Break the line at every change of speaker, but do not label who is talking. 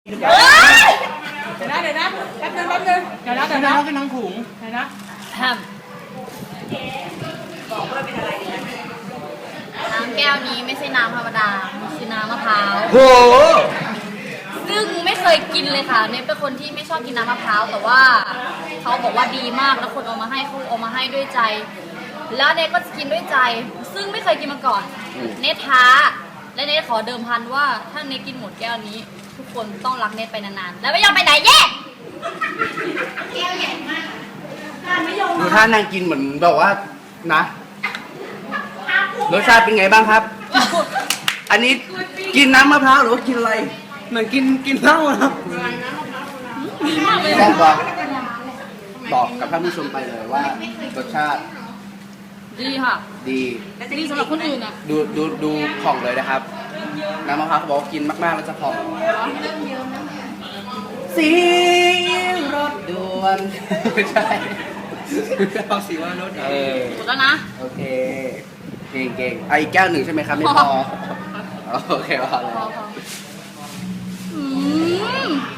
เดี๋ยวนะแป๊บนึงเดี๋ยวนะก็นั่งถุงเดี๋ยวนะ
น้ำแก้วนี้ไม่ใช่น้ำธรรมดามันคือน้ำมะพร้าว
โห
ซึ่งไม่เคยกินเลยค่ะเนทเป็นคนที่ไม่ชอบกินน้ำมะพร้าวแต่ว่าเขาบอกว่าดีมากแล้วคนเอามาให้เขาเอามาให้ด้วยใจ แล้วเนทก็จะกินด้วยใจ ซึ่งไม่เคยกินมาก่อนเนทท้าและเนทขอเดิมพันว่าถ้าเนทกินหมดแก้วนี้ ทุกคนต้องรักเนทไปนานๆแล้วไม่ยอมไปไหนแย่แก้วใหญ่มาก
ดูท่านางกินเหมือนแบบว่านะรสชาติเป็นไงบ้างครับ อันนี้กินน้ำมะพร้าวหรือว่ากินอะไรเหมือนกินเหล้าครับแซ่บปะบอกกับท่านผู้ชมไปเลยว่ารสชาติ
ดีค่ะ
ดี
ดีสำหรับคนอื่นอ่ะ
ดูผ่องเลยนะครับน้ำมะพร้าวเขาบอกว่ากินมากๆแล้วจะผ่องสีรถด่วนไม่ใช่เอาสีว่ารถ
หมดแล้วนะ
โอเคเก่งไอ้แก้วหนึ่งใช่ไหมครับไม่พอโอเคพอเลย